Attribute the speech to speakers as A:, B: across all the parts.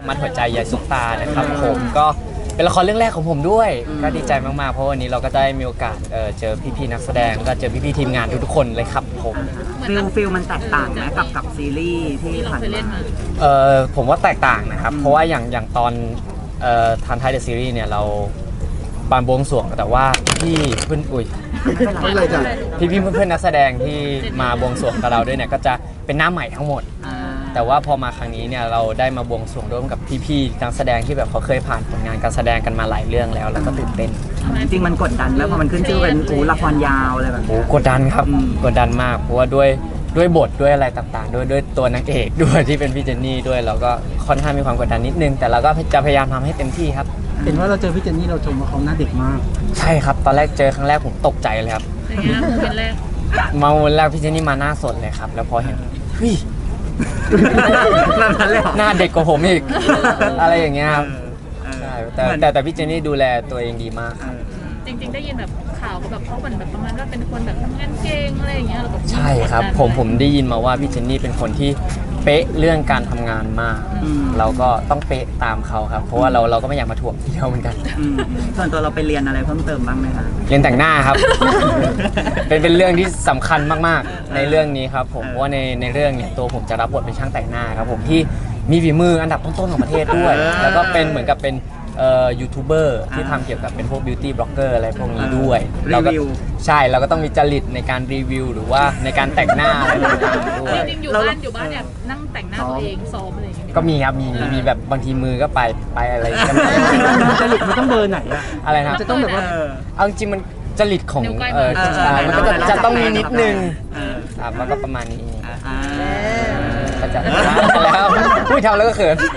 A: มัดหัวใจยายซุปตานะครับผมก็เป็นละครเรื่องแรกของผมด้วยก็ดีใจมากๆเพราะวันนี้เราก็ได้มีโอกาสเจอพี่ๆนักแสดงก็เจอพี่ๆทีมงานทุกๆคนเลยครับผม
B: ฟิลมันแตกต่างไหมกับซีรีส์ที่ผ่านมา
A: ผมว่าแตกต่างนะครับเพราะว่าอย่างตอนทันไทยเดอะซีรีส์เนี่ยเราบานบวงสรวงแต่ว่าพี่เพื่อน
B: ไม่เลยจ้ะ
A: พี่เพื่อนนักแสดงที่มาบวงสรวงกับเราด้วยเนี่ยก็จะเป็นหน้าใหม่ทั้งหมดแต่ว่าพอมาครั้งนี้เนี่ยเราได้มาบวงสรวงร่วมกับพี่ๆนักแสดงที่แบบเขาเคยผ่านผลงานการแสดงกันมาหลายเรื่องแล้วก็ตื่นเต้น
B: จริงๆมันกดดันแล้วพอมันขึ้นชื่อเป็นละครยาวอะไรแบบนี้
A: กดดันครับกดดันมากเพราะว่าด้วยบทด้วยอะไรต่างๆด้วยตัวนางเอกด้วยที่เป็นพี่เจนนี่ด้วยเราก็ค่อนข้างมีความกดดันนิดนึงแต่เราก็จะพยายามทำให้เต็มที่ครับ
C: เห็นว่าเราเจอพี่เจนนี่เราชมว่าเขาหน้าเด็กมาก
A: ใช่ครับตอนแรกเจอครั้งแรกผมตกใจเลยครับ
D: เป็นแรก
A: มาวันแรกพี่เจนนี่มาหน้าสดเลยครับแล้วพอเห็นเฮ้ยหน้าเด็กกว่าผมอีกอะไรอย่างเงี้ยครับใช่แต่พี่เจนนี่ดูแลตัวเองดีมาก
D: จริงๆได้ยินแบบข่าวแบบเขาแบบประมาณว่าเป็นคนแบบทำงานเก่งอะไรอย่างเงี้ย
A: ใช่ครับผมได้ยินมาว่าพี่เจนนี่เป็นคนที่เป๊ะเรื่องการทำงานมากเราก็ต้องเป๊ะตามเขาครับเพราะว่าเราก็ไม่อยากมาถ่วงที่เขาเหมือนกัน
B: ส่วนตัวเราไปเรียนอะไรเพิ่มเติมบ้างไหมคะ
A: เรียนแต่งหน้าครับเป็นเรื่องที่สำคัญมากๆในเรื่องนี้ครับผมเพราะว่าในเรื่องเนี่ยตัวผมจะรับบทเป็นช่างแต่งหน้าครับผมที่มีฝีมืออันดับต้นๆของประเทศด้วยแล้วก็เป็นเหมือนกับเป็นยูทูบเบอร์ที่ทำเกี่ยวกับเป็นพวกบิวตี้บล็อกเกอร์อะไรพวกนี้ด้วยเราก็ใช่เราก็ต้องมีจริตในการรีวิวหรือว่าในการแต่งหน้าอะไรต่างๆด้วย
D: จริงๆอยู่บ้านเนี่ยนั่งแต่งหน้าตัวเองซ้อมอะไรอย่างเงี้ย
A: ก็มีครับมีแบบบางทีมือก็ไปอะไรกัน
C: จริตมันต้องเบอร์ไหน
A: อะไรนะ
C: จะต้องแบบว่า
A: เอาจริงมันจริตของมันก็จะต้องมีนิดนึงมันก็ประมาณนี้ก็จะแล้วพูดทำแล้วก็เขิน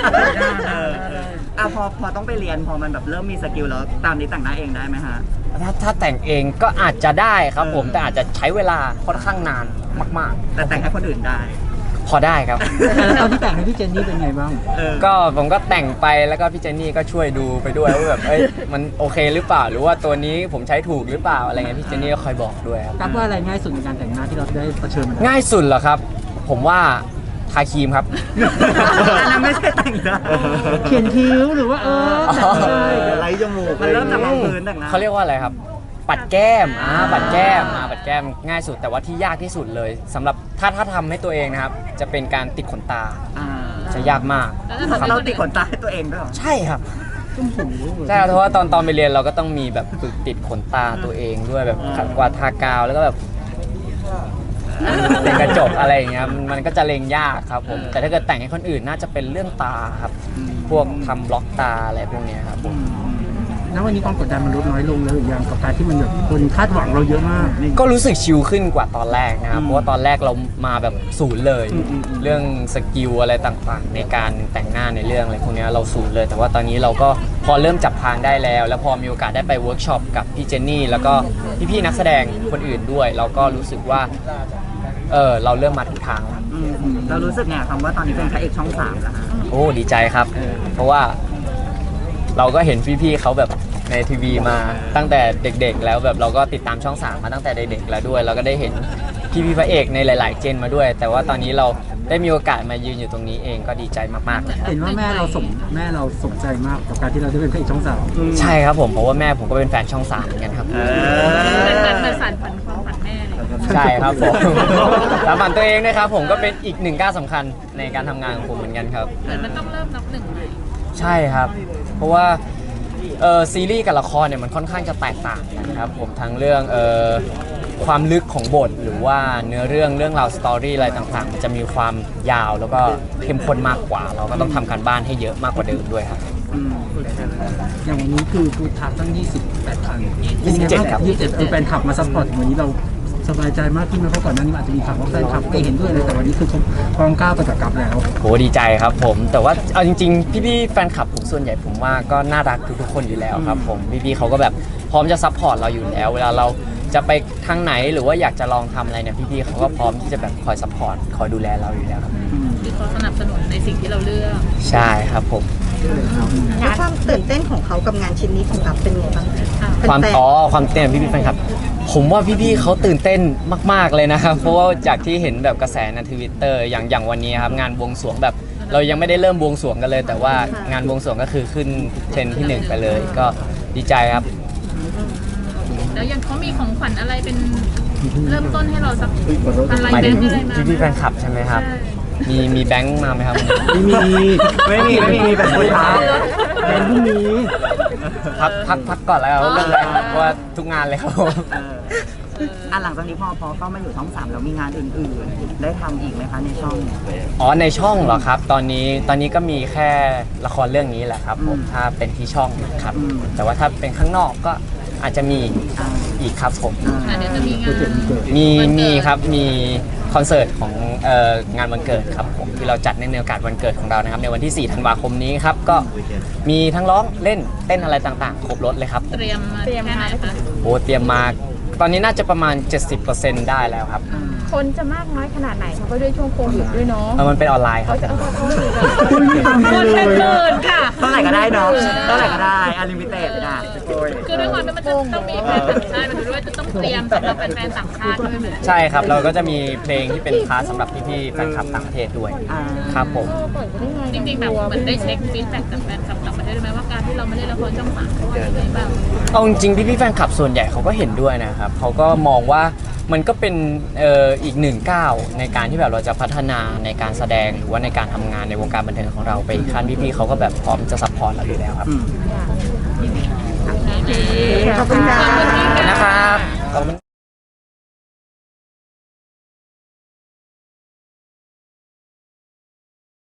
B: พอต้องไปเรียนพอมันแบบเริ่มมีสกิลแล้วตามนี้แต่งหน้าเองได้ไหมฮะ
A: ถ้าแต่งเองก็อาจจะได้ครับผมแต่อาจจะใช้เวลาค่อนข้างนานมาก
B: ๆแต่แต่งให้คนอื่นได้
A: พอได้ครับ
C: ตอนที่แต่งให้พี่เจนนี่เป็นไงบ้าง
A: ก็ผมก็แต่งไปแล้วก็พี่เจนนี่ก็ช่วยดูไปด้วยว่าแบบมันโอเคหรือเปล่าหรือว่าตัวนี้ผมใช้ถูกหรือเปล่าอะไรเงี้ยพี่เจนนี่ก็คอยบอกด้วยครับ
C: ว่าอะไรง่ายสุดในการแต่งหน้าที่เราได้เผชิญ
A: ง่ายสุดเหรอครับผมว่าทาครีมครับ
B: อันนั้นไม่ใช่แต่งหน้า
C: เขียนคิ้วหรือว่า
B: ไล่จมูกมันเริ่มจากรองพื้นแต่งหน้า
A: เขาเรียกว่าอะไรครับปัดแก้มปัดแก้มง่ายสุดแต่ว่าที่ยากที่สุดเลยสำหรับถ้าทำให้ตัวเองนะครับจะเป็นการติดขนตาจะยากมาก
B: เราติดขนตาให้ตัวเองด้วย
A: ใช่ครับใช่เพราะว่าตอนไปเรียนเราก็ต้องมีแบบฝึกติดขนตาตัวเองด้วยแบบกวาดทากาวแล้วก็แบบเป็นกระจกอะไรอย่างเงี้ยมันก็จะเล็งยากครับผมแต่ถ้าเกิดแต่งให้คนอื่นน่าจะเป็นเรื่องตาครับพวกทำบล็อกตาอะไรพวกนี้ครับผม
C: แล้ววันนี้ความกดดันมันลดน้อยลงแล้วหรือยังกับการที่มันแบบคนคาดหวังเราเยอะมาก
A: ก็รู้สึกชิลขึ้นกว่าตอนแรกนะครับเพราะว่าตอนแรกเรามาแบบศูนย์เลยเรื่องสกิลอะไรต่างๆในการแต่งหน้าในเรื่องอะไรพวกนี้เราศูนย์เลยแต่ว่าตอนนี้เราก็พอเริ่มจับทางได้แล้วพอมีโอกาสได้ไปเวิร์กช็อปกับพี่เจนนี่แล้วก็พี่ๆนักแสดงคนอื่นด้วยเราก็รู้สึกว่าเราเริ่มมาถูกทาง
B: เรารู้สึกไงคำว่าตอนนี้เป็นพระเอกช่อง 3แล้ว
A: โอ้ดีใจครับเพราะว่าเราก็เห็นพี่ๆเขาแบบในทีวีมาตั้งแต่เด็กๆแล้วแบบเราก็ติดตามช่อง 3มาตั้งแต่เด็กๆแล้วด้วยเราก็ได้เห็นพี่พระเอกในหลายๆเจนมาด้วยแต่ว่าตอนนี้เราได้มีโอกาสมายืนอยู่ตรงนี้เองก็ดีใจมากๆเลย
C: เห็นว่าแม่เราสนใจมากกับการที่เราได้เป็นพระเอกช่อง 3
A: ใช่ครับผมเพราะว่าแม่ผมก็เป็นแฟนช่อง 3เหมือนกันครับ
D: เป็นสานฝันความฝันแม่เลย
A: ใช่ครับผมสานฝันตัวเองนะครับผมก็เป็นอีกหนึ่งก้าวสำคัญในการทำงานของผมเหมือนกันครับ
D: มันต้องเริ่มนับหนึ่งเลย
A: ใช่ครับเพราะว่าซีรีส์กับละครเนี่ยมันค่อนข้างจะแตกต่างกันครับผมทั้งเรื่องความลึกของบทหรือว่าเนื้อเรื่องราวสตอรี่อะไรต่างๆมันจะมีความยาวแล้วก็เข้มข้นมากกว่าเราก็ต้องทำการบ้านให้เยอะมากกว่าเดิมด้วยครับ
C: อย่างวันนี้คือฟูดทับตั้ง28 คัน
A: 27ครับ
C: 27คือแฟนคลับมาซัพพอร์ตวันนี้เราสบายใจมากขึ้นไหมเพราะก่อนหน้านี้อาจจะมีข่าวว่าแฟนคลับไม่เห็นด้วยเลยแต่วันนี้คือเขาพร้อมก้าวไปกับกับแล้ว
A: โหดีใจครับผมแต่ว่าเอาจริงๆพี่ๆแฟนคลับผมส่วนใหญ่ผมว่าก็น่ารักทุกๆคนอยู่แล้วครับผมพี่ๆเขาก็แบบพร้อมจะซัพพอร์ตเราอยู่แล้วเวลาเราจะไปทางไหนหรือว่าอยากจะลองทำอะไรเนี่ยพี่ๆเขาก็พร้อมที่จะแบบคอยซัพพอร์ตคอยดูแลเราอยู่แล้วครับ
D: คือเขาสนับสนุนในสิ่งที่เราเลือก
A: ใช่ครับผม
E: แล้วความตื่นเต้นของเขากับงานชิ้นนี้ของเราเป็นไงบ้าง
A: ความเต้นพี่ๆแฟนคลับผมว่าพี่ๆเขาตื่นเต้นมากๆเลยนะครับเพราะว่าจากที่เห็นแบบกระแสใน Twitter อย่างวันนี้ครับงานบวงสรวงแบบเรายังไม่ได้เริ่มบวงสรวงกันเลย แต่ว่างานบวงสรวงก็คือขึ้นเทรนด์ที่ 1 ไปเลย ก็ดีใจครับ
D: แล้วยังเขามีของขวัญอะไรเป็นเริ่มต้นให้เราสักอะไร
A: หมาย
D: แบ
A: ถึ
D: ง
A: ง
D: ค์อะไรมา
A: พี่ๆแฟนคลับใช่ไหมครับ มีแบงค์มาไหมครับ
C: ไม่มี
B: ไม่มีแบบคนท้า
C: แบนพรุ่งนี้
A: พักก่อนแล้วครับเรื่องแรกเพราะว่าทุกงานเลยครับผม
B: หลังจากนี้พอเข้ามาอยู่ช่อง3แล้วมีงานอื่นๆ ได้ทำอีกไหมคะในช่อง
A: อ๋อในช่องเหรอครับ ตอนนี้ก็มีแค่ละครเรื่องนี้แหละครับผมถ้าเป็นที่ช่องนะครับ แต่ว่าถ้าเป็นข้างนอกก็อาจจะมีอีกครับผม
D: เดี๋ยวจะมีงาน
A: มีครับมีคอนเสิร์ตของงานวันเกิดครับผมที่เราจัดในโอกาสวันเกิดของเรานะครับในวันที่ 4 ธันวาคมนี้ครับก็มีทั้งร้องเล่นเต้นอะไรต่างๆ ครบรถเลยครับ
D: เตรียมมาแค่ไหนคะ
A: โอ้เตรียมมาตอนนี้น่าจะประมาณ 70%ได้แล้วครับ
F: คนจะมากน้อยขนาดไหนเพราะว่าด้วยช่วงโควิดด้วยเนาะ
A: มันเป็นออนไลน์ครับ
C: คุณไม่ทำ
D: คน
C: เล
D: เป็น
C: ย
D: หมื่นค่ะ
B: เท่าไหร่ก็ได้เนาะเท่าไหร่ก็ได้อลิมิเต็ดนะ
D: คือด้วยความที่มันจะต้องมีแฟนต่างชาติมันด้วยจะต้องเตรียมสำหรับแฟนๆต่างชาติด้วยไหม
A: ใช่ครับเราก็จะมีเพลงที่เป็นพาร์ทสำหรับพี่ๆแฟนคลับต่างประเทศด้วยครับผม
D: จริงๆแบบเหมือนได้เช็คฟีดแบ็กจากแฟนคลับต่างประเทศด้วยไหมว่าการที่เราไม่ได้ละครช่อง3เขาว่ายังไงบ้าง
A: เอาจริงๆพี่ๆแฟนคลับส่วนใหญ่เขาก็เห็นด้วยนะครับเขาก็มองว่ามันก็เป็นอีกหนึ่งก้าวในการที่แบบเราจะพัฒนาในการแสดงหรือว่าในการทำงานในวงการบันเทิงของเราไปอีกขั้นพี่ๆเขาก็แบบพร้อมจะซัพพอร์ตเราอยู่แล้วครับ
E: ขอบคุณค่ะ
A: นะครับขอบคุณ